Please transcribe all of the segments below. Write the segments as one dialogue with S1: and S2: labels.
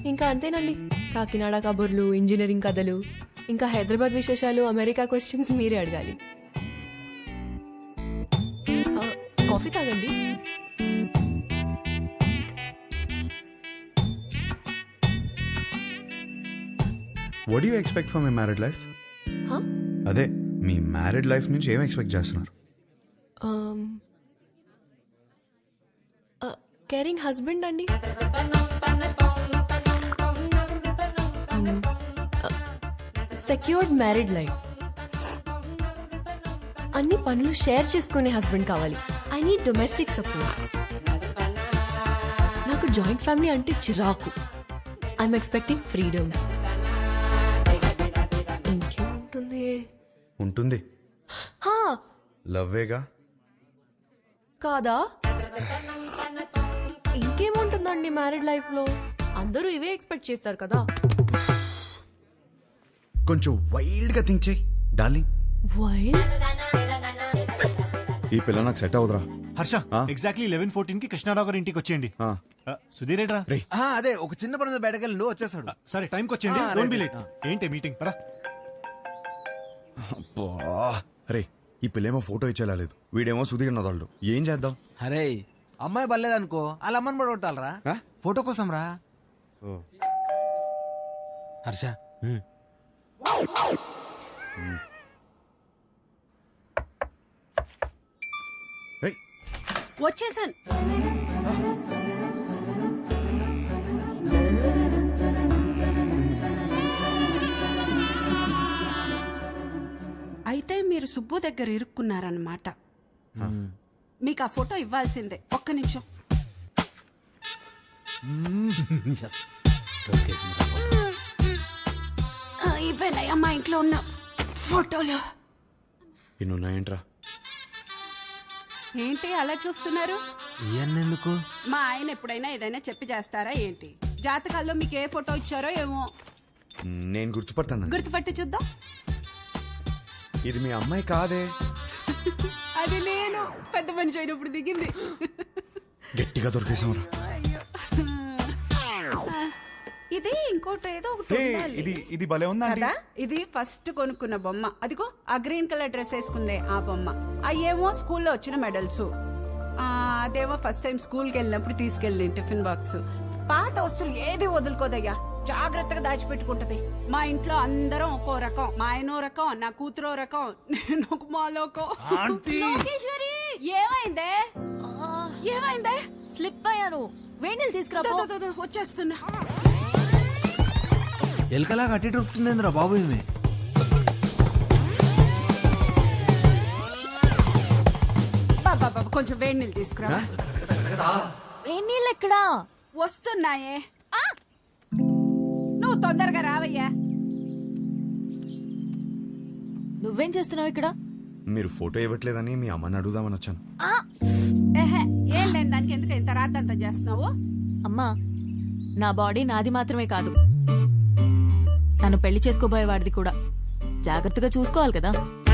S1: ఇంకా అంతేనండి. కాకినాడ కబుర్లు, ఇంజనీరింగ్ కథలు, ఇంకా హైదరాబాద్ విశేషాలు, అమెరికా క్వశ్చన్స్ మీరే అడగాలి. కాఫీ తాగండి.
S2: What you expect for my married life? అదే మీ మ్యారీడ్ లైఫ్ నుంచి ఏం ఎక్స్పెక్ట్ చేస్తున్నారు?
S1: కేరింగ్ హస్బెండ్ అండి. Secured married life. అన్ని పనులు షేర్ చేసుకునే హస్బెండ్ కావాలి. I need domestic support. నాకు జాయింట్ ఫ్యామిలీ అంటే చిరాకు. I'm expecting freedom. ఇంకేముంటుంది?
S2: ఉంటుంది, లవ్వేగా.
S1: కాదా? ఇంకేముంటుందండి మ్యారీడ్ లైఫ్ లో? అందరూ ఇవే ఎక్స్పెక్ట్ చేస్తారు కదా.
S2: కొంచెం వైల్డ్ గా థింక్ చేయి డార్లింగ్.
S1: వైల్డ్?
S2: ఈ పిల్ల నాకు సెట్ అవుదరా.
S3: హర్ష, ఎగ్జాక్ట్లీ 11:14 కి కృష్ణారావు గారి ఇంటికి వచ్చేయండి. సుధీర్ ఏడ్రా?
S4: అదే ఒక చిన్న పని బయటకెళ్ళి వచ్చేసాడు.
S3: సరే టైంకి వచ్చేయండి, డోంట్ బి లేట్. ఏంటి మీటింగ్? పదా.
S2: అరే ఈ పిల్లేమో ఫోటో ఇచ్చేలాలేదు, వీడేమో సుధీర్ నదాళ్ళు. ఏం చేద్దాం?
S4: అరే అమ్మాయి బలేదనుకో, వాళ్ళ అమ్మని కూడా కొట్టాలరా ఫోటో కోసం రా. హర్ష
S5: వచ్చేసాను. అయితే మీరు సుబ్బు దగ్గర ఇరుక్కున్నారన్నమాట. మీకు ఆ ఫోటో ఇవ్వాల్సిందే. ఒక్క నిమిషం. ఇవేనయ్యా మా ఇంట్లో ఉన్న ఫోటోలు.
S2: ఇన్నున్నాయంట్రా?
S5: ఏంటి అలా చూస్తున్నారు?
S4: ఎందుకు?
S5: మా ఆయన ఎప్పుడైనా ఏదైనా చెప్పి చేస్తారా ఏంటి? జాతకాల్లో మీకు ఏ ఫోటో ఇచ్చారో ఏమో.
S2: నేను గుర్తుపడతాను.
S5: గుర్తుపట్టి చూద్దాం.
S2: ఇది మీ అమ్మాయి కాదే.
S5: అది నేను పెద్ద మనిషి అయినప్పుడు దిగింది.
S2: గట్టిగా దొరికేసాంరా.
S5: ఇది ఇంకోటి ఏదో ఒకటి ఉండాలి.
S3: ఇది భలే ఉందా?
S5: ఇది ఫస్ట్ కొనుక్కున్న బొమ్మ. అదిగో ఆ గ్రీన్ కలర్ డ్రెస్ వేసుకుందే ఆ బొమ్మ. అయ్యేమో స్కూల్లో వచ్చిన మెడల్స్. అదేమో ఫస్ట్ టైం స్కూల్కి వెళ్ళినప్పుడు తీసుకెళ్ళి టిఫిన్ బాక్స్. పాత వస్తువులు ఏది వదులుకోదయ్యా, జాగ్రత్తగా దాచిపెట్టుకుంటది. మా ఇంట్లో అందరం ఒక్కో రకం. మా ఆయనో రకం, నా కూతురో రకం, నేను ఒక మాలోకం.
S6: లోకేశ్వరి,
S5: ఏమైందే? ఏమైందే?
S6: స్లిప్ అయ్యాను. వేణీలు తీసుకురా.
S5: వచ్చేస్తున్నా.
S4: ఎలకలా కట్టి దొరుకుతుందిరా బాబు. ఇది
S5: కొంచెం వేడి నీళ్ళు తీసుకురా.
S6: వేణీళ్ళు ఎక్కడా?
S5: వస్తున్నాయే. నువ్వు తొందరగా రావయ్యా.
S6: నువ్వేం చేస్తున్నావు ఇక్కడ?
S2: మీరు ఫోటో ఇవ్వట్లేదని మీ అమ్మని అడుగుదామని వచ్చాను.
S5: ఏం లేని దానికి ఎందుకు ఇంత రాద్దంతా చేస్తున్నావు?
S6: అమ్మా, నా బాడీ నాది మాత్రమే కాదు, నన్ను పెళ్లి చేసుకోబోయేవాడిది కూడా. జాగ్రత్తగా చూసుకోవాలి కదా.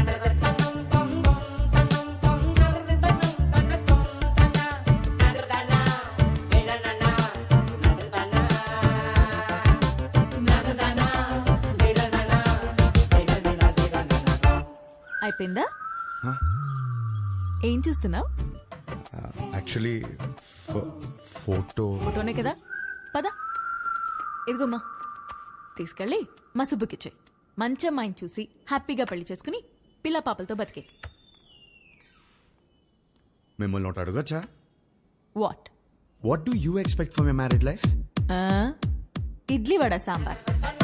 S6: అయిపోయిందా? ఏం చూస్తున్నావు?
S2: యాక్చువల్లీ
S6: ఫోటోనే కదా. పద, ఇదిగోమ్మా, తీసుకెళ్ళి మా సుబ్బుకిచ్చాయి. మంచి అమ్మాయిని చూసి హ్యాపీగా పెళ్లి చేసుకుని పిల్ల పాపలతో బతికే.
S2: మిమ్మల్ని ఒకటి అడగచ్చా?
S6: What
S2: do you expect for my married life?
S6: Idli vada sambar.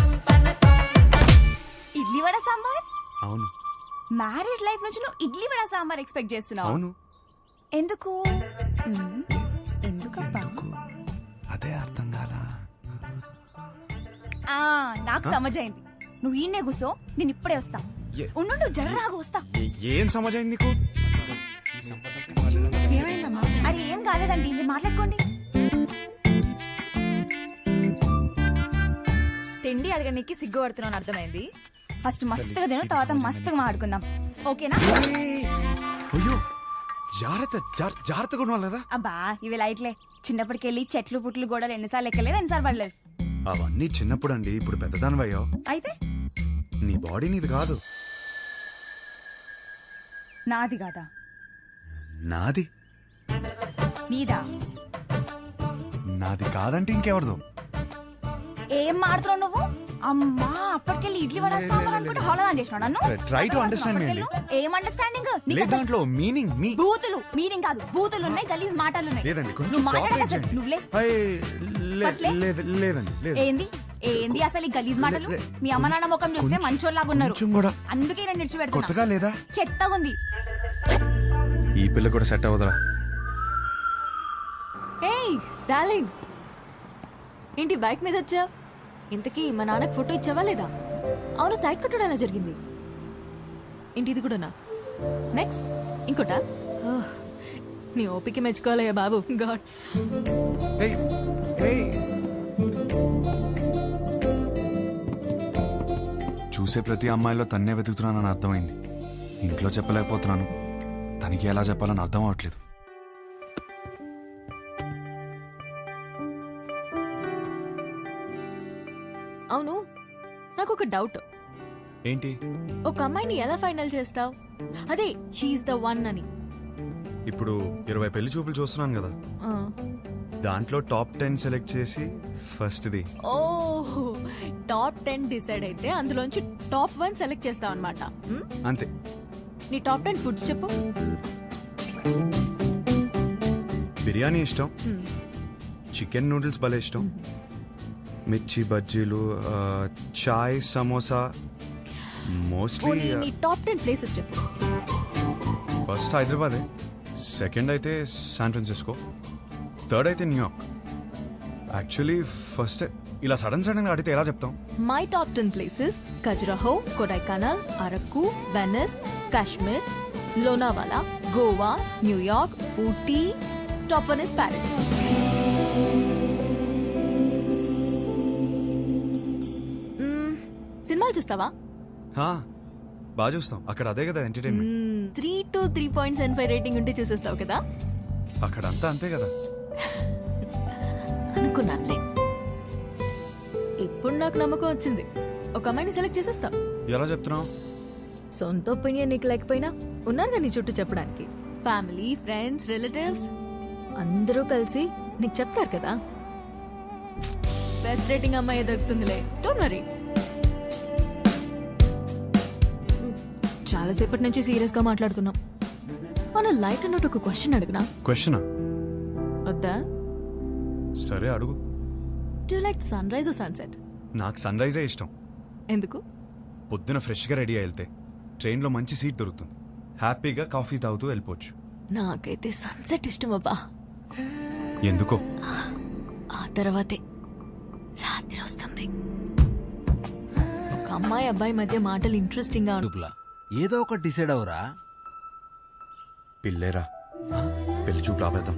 S7: Idli vada sambar?
S2: అవును.
S7: మ్యారేజ్ లైఫ్ నుంచి నువ్వు ఇడ్లీ వడ సాంబార్ ఎక్స్పెక్ట్ చేస్తున్నావు?
S2: అవును.
S7: ఎందుకు? ఎందుకబ్బా?
S2: అదే అర్థం కాలా.
S7: నాకు సమజైంది. నువ్వు ఈయనే కూసో, నేను ఇప్పుడే వస్తా. ఉండు, జర్రాగా వస్తా.
S2: ఏం సమజైంది నీకు?
S7: అరే ఏం కాలేదండి, ఇది మాట్లాడుకోండి. తిండి అడగడానికి సిగ్గుపడుతున్నాను, అర్థమైంది. ఫస్ట్ మస్తుగా తిను, తర్వాత మస్తుగా మాట్లాడుకుందాం, ఓకేనా?
S2: అయ్యో, జాగ్రత్తగా ఉండాలి కదా.
S7: అబ్బా ఇవి లైట్లే. చిన్నప్పటికెళ్ళి చెట్లు పుట్లు గోడలు ఎన్నిసార్లు ఎక్కలేదు, ఎన్నిసార్లు పడలేదు.
S2: అవన్నీ చిన్నప్పుడు అండి, ఇప్పుడు పెద్దదానివయ్యో.
S7: అయితే
S2: నీ బాడీ నీది కాదు.
S7: నాది కాదా?
S2: నాది.
S7: నీదా?
S2: నాది కాదంటే ఇంకెవరిదో.
S7: ఏం మాడుతున్నావు నువ్వు? అమ్మా, అప్పటికెళ్ళి ఇడ్లీ వడ సాంబార్ అనుకుంటే హోళదాన్ చేసినావు నన్ను.
S2: Try to understand me అండి.
S7: ఏం అండర్స్టాండింగ్?
S2: లేదు దాంట్లో మీనింగ్ మీ.
S7: బూతులు మీనింగ్ కాదు, బూతులు ఉన్నాయి, గలీజ్ మాటలు ఉన్నాయి.
S2: లేదండి, కొంచెం
S7: నువ్వు మాట్లాడక
S2: cooperate
S7: అసలు
S2: చేయండి.
S7: నువ్వులే. అసలే?
S2: లేదండి లేదు.
S7: ఏంది ఏంది అసలు ఈ గలీజ్ మాటలు? మీ అమ్మ నాన్న ముఖం చూస్తే
S2: కొంచెం-
S7: మంచోళ్ళలాగా ఉన్నారు,
S2: కొంచెం కూడా.
S7: అందుకే నేను నిడిచిపెడుతున్నా.
S2: కొత్తగా లేదా?
S7: చెత్తగా ఉంది.
S2: ఈ పిల్ల కూడా సెట్ అవ్వదురా.
S6: ఏయ్ డార్లింగ్, ఏంటి బైక్ మీద వచ్చా? ఇంతకీ మా నాన్నకు ఫోటో ఇచ్చావా లేదా? అవును, సైడ్ కొట్టడం ఎలా జరిగింది? ఏంటి ఇది కూడానా? నెక్స్ట్ ఇంకోటా? ఓహ్, నీ ఓపిక మెచ్చుకోవాలయ్యా బాబు. గాడ్.
S2: ఏయ్, ఏయ్. చూసే ప్రతి అమ్మాయిలో తన్నే వెతుకుతున్నానని అర్థమైంది. ఇంట్లో చెప్పలేకపోతున్నాను, తనకి ఎలా చెప్పాలని అర్థం అవట్లేదు.
S6: అవును, నాకు ఒక డౌట్.
S2: ఏంటి?
S6: ఒక అమ్మాయిని ఎలా ఫైనల్ చేస్తావు? అదే షీఈ్ ద వన్ అని.
S2: ఇప్పుడు 20 పెళ్లి చూపులు చూస్తున్నాను కదా,
S6: ఆ.
S2: దాంట్లో టాప్ 10 సెలెక్ట్ చేసి ఫస్ట్ది.
S6: ఓ, టాప్ 10 డిసైడ్ అయితే అందులోంచి టాప్ 1 సెలెక్ట్ చేస్తావు అనమాట.
S2: అంతే.
S6: నీ టాప్ 10 ఫుడ్స్ చెప్పు.
S2: బిర్యానీ ఇష్టం, చికెన్ నూడిల్స్ భలే ఇష్టం, మిర్చి బజ్జీలు, చాయ్, సమోసా. మోస్ట్లీ
S6: నీ టాప్ 10 ప్లేసెస్ చెప్పు.
S2: ఫస్ట్ హైదరాబాదే, సెకండ్ అయితే శాన్ ఫ్రాన్సిస్కో, థర్డ్ అయితే న్యూయార్క్. యాక్చువల్లీ ఫస్ట్ ఇలా సడన్ గా అడిగితే ఎలా చెప్తాం?
S6: My top 10 places: Khajuraho, Kodaikanal, Araku, Venice, Kashmir, Lonavala, Goa, New York, Ooty. Top 1 is Paris. సినిమాలు చూస్తావా?
S2: బాగా చూస్తాం, అక్కడ అదే కదా ఎంటర్టైన్మెంట్.
S6: 3 to 3.75 రేటింగ్ ఉంటే చూసేస్తావు కదా.
S2: అక్కడ అంతా అంతే కదా.
S6: అనుకున్నానులే. ఇప్పుడు నాకు నమ్మకం వచ్చింది, ఒక అమ్మాయిని సెలెక్ట్ చేసేస్తావు.
S2: ఎలా చెప్తున్నావు?
S6: సొంత ఒపీనియన్ నీకు లేకపోయినా ఉన్నారు నీ చుట్టూ చెప్పడానికి. ఫ్యామిలీ, ఫ్రెండ్స్, రిలేటివ్స్ అందరూ కలిసి నీకు చెప్తారు కదా. బెస్ట్ రేటింగ్ అమ్మాయి దొరుకుతుందిలే, డోంట్ వరీ. చాలాసేపటి నుంచి సీరియస్ గా మాట్లాడుతున్నాం. మన లైట్ అన్నట్టు ఒక క్వశ్చన్ అడిగినా?
S2: క్వశ్చనా?
S6: వద్దా?
S2: సరే అడుగు.
S6: Do you like sunrise or sunset?
S2: నాకు సన్ రైజే ఇష్టం.
S6: ఎందుకు?
S2: పొద్దున ఫ్రెష్గా రెడీ అయి వెళ్తే ట్రైన్లో మంచి సీట్ దొరుకుతుంది, హ్యాపీగా కాఫీ తాగుతూ వెళ్ళిపోవచ్చు.
S6: నాకైతే సన్సెట్ ఇష్టం అబ్బా.
S2: ఎందుకో?
S6: ఆ తర్వాతే రాత్రి వస్తుంది. ఒక అమ్మాయి అబ్బాయి మధ్య మాటలు ఇంట్రెస్టింగ్ గా
S4: చూపులా ఏదో ఒకటి డిసైడ్ అవరా.
S2: పిల్లేరా, పెళ్లి చూపు రాబేద్దాం.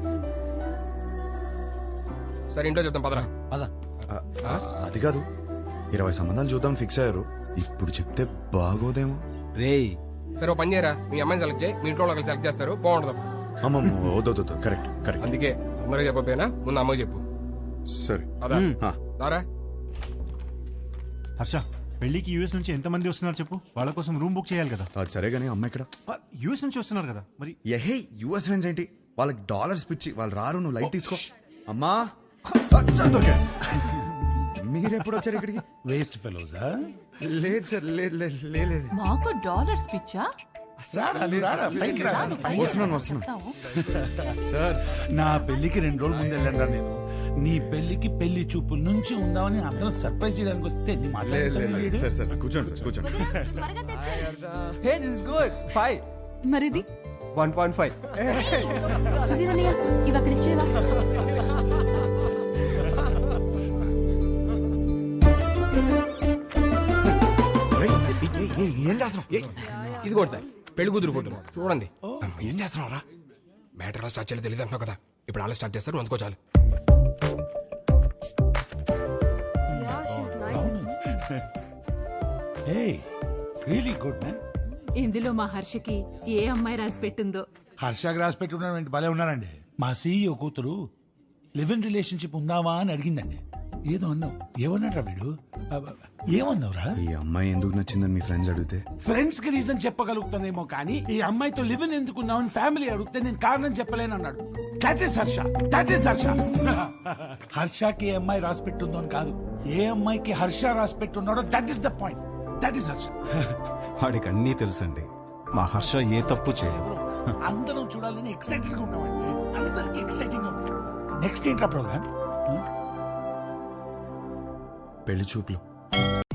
S8: సరే ఇంట్లో చెప్తాం పదరా.
S4: పద.
S2: అది కాదు, 20 సంబంధాలు చూద్దాం ఫిక్స్ అయ్యారు, ఇప్పుడు చెప్తే బాగోదేమో.
S4: రేయ్,
S8: సరే ఓ పని చేయరా, మీ అమ్మాయిని సెలెక్ట్ చేయి, మీ ఇంట్లో వాళ్ళకి సెలెక్ట్ చేస్తారు, బాగుండదు.
S2: అమ్మమ్మ, వద్దు, కరెక్ట్ కరెక్ట్.
S8: అందుకే అందరూ చెప్పకపోయినా ముందు అమ్మకి చెప్పు.
S2: సరే.
S8: పదా దారా.
S3: హర్ష, పెళ్లికి యూఎస్ నుంచి ఎంతమంది వస్తున్నారు చెప్పు, వాళ్ళ కోసం రూమ్ బుక్ చేయాలి కదా.
S2: అది సరే గానీ అమ్మ ఇక్కడ.
S3: యూఎస్ నుంచి వస్తున్నారు కదా మరి.
S2: ఎహే, యుఎస్ ఫ్రెండ్స్ ఏంటి, వాళ్ళకి డాలర్స్ పిచ్చి, వాళ్ళు రారు, నువ్వు లైట్ తీసుకో. అమ్మా, మీరెప్పుడు వచ్చారు ఇక్కడికి?
S9: వేస్ట్ ఫెలోజా?
S2: లేదు సార్, లేదు.
S6: మాకు డాలర్స్ పిచ్చా?
S2: వస్తున్నాను సార్.
S9: నా పెళ్లికి 2 రోజుల ముందు వెళ్ళండి నేను. నీ పెళ్లికి పెళ్లి చూపుల నుంచి ఉందామని అందరం సర్ప్రైజ్ చేయడానికి వస్తే నీ మాట్లాడలేదు.
S2: సార్ కూర్చోండి సార్, కూర్చోండి.
S10: Hey, this is good. 5.
S6: మరిది
S10: 1.5.
S6: సుధీరనయ్య, ఇవి అక్కడ ఇచ్చేవా?
S2: ఏం చేస్తున్నావు?
S8: ఇదిగోండి సార్ పెళ్లి కూతురు ఫోటో చూడండి.
S2: ఏం చేస్తున్నావు రా?
S8: మ్యాటర్ ఎలా స్టార్ట్ చేయాలో తెలియదు అంటున్నావు కదా, ఇప్పుడు అలా స్టార్ట్ చేస్తారు, అందుకో చాలు.
S9: Hey, really good man.
S5: ఇందులో మా హర్షకి ఏ అమ్మాయి రాసి పెట్టిందో.
S9: హర్ష గ్రాస్ పెట్టుకున్న భలే ఉన్నారండి. మా సీఈఓ కూతురు లివ్ ఇన్ రిలేషన్షిప్ ఉందావా అని అడిగిందండి. ఏదో అన్నావు ఏమన్నాడ్రా వీడు ఏమన్నావురా?
S2: ఈ అమ్మాయి ఎందుకు నచ్చిందని మీ ఫ్రెండ్స్ అడిగితే
S9: ఫ్రెండ్స్ కి రీజన్ చెప్పగలుగుతానేమో కానీ ఈ అమ్మాయితో లివ్ ఇన్ ఎందుకున్నావని ఫ్యామిలీ అడిగితే నేను కారణం చెప్పలేను అన్నాడు. That is Harsha, that is Harsha. హర్షకి ఏ అమ్మాయి రాసి పెట్టుందో అని కాదు, ఏ అమ్మాయికి హర్ష రాసి పెట్టున్నాడో that is the point. That is Harsha.
S2: వాడికి అన్నీ తెలుసండి. మా హర్ష ఏ తప్పు చేయదు.
S9: అందరం చూడాలని ఎక్సైటెడ్ గా ఉన్నామండి. అందరికి ఎక్సైటింగ్ గా ఉంది. నెక్స్ట్ ఏంట్రా ప్రోగ్రామ్?
S2: పెళ్లి చూపులు.